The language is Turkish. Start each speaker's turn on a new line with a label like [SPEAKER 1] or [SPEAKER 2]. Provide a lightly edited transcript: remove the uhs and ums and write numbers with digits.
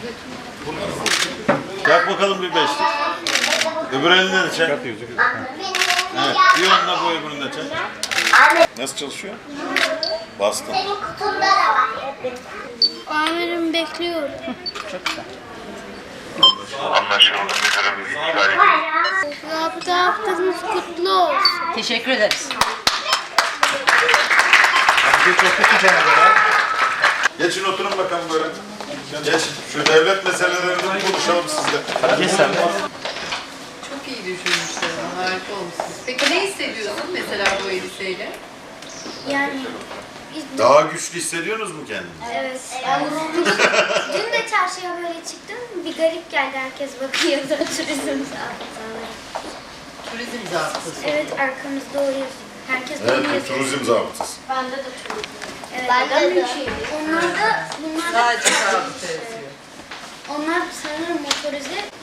[SPEAKER 1] Yak bakalım bir beşlik. Öbür elinde de çek. Evet, bir onunla bu öbürünü de çek. Nasıl çalışıyor? Bastım.
[SPEAKER 2] Senin kutunda da var.
[SPEAKER 3] Amirim bekliyorum.
[SPEAKER 4] Çok güzel.
[SPEAKER 5] Anlaşıldı müdürüm.
[SPEAKER 3] Rabıta haftanız kutlu olsun.
[SPEAKER 4] Teşekkür ederiz.
[SPEAKER 1] Geçin oturun bakalım böyle. Geç. Şu devlet meselelerini konuşalım sizle.
[SPEAKER 4] Geç sen de.
[SPEAKER 6] Çok iyi düşünmüşler. Harika olmuşsunuz. Peki ne hissediyorsun mesela bu elbiseyle?
[SPEAKER 3] Yani
[SPEAKER 1] Daha güçlü hissediyorsunuz mu kendinizi?
[SPEAKER 3] evet. Dün de çarşıya böyle çıktım. Bir garip geldi, herkes bakıyordu. Turizm zabıtaları.
[SPEAKER 6] Turizm zabıtası.
[SPEAKER 3] Evet, arkamızda o yazıyor. Herkes
[SPEAKER 1] Evet,
[SPEAKER 3] bunu
[SPEAKER 1] bu
[SPEAKER 3] yazıyor.
[SPEAKER 1] turizm zabıtası.
[SPEAKER 3] Bende de turizm. Evet,
[SPEAKER 2] Bende de.
[SPEAKER 3] Onlar da
[SPEAKER 6] Sadece zabıta yazıyor.
[SPEAKER 3] onlar sanırım motorize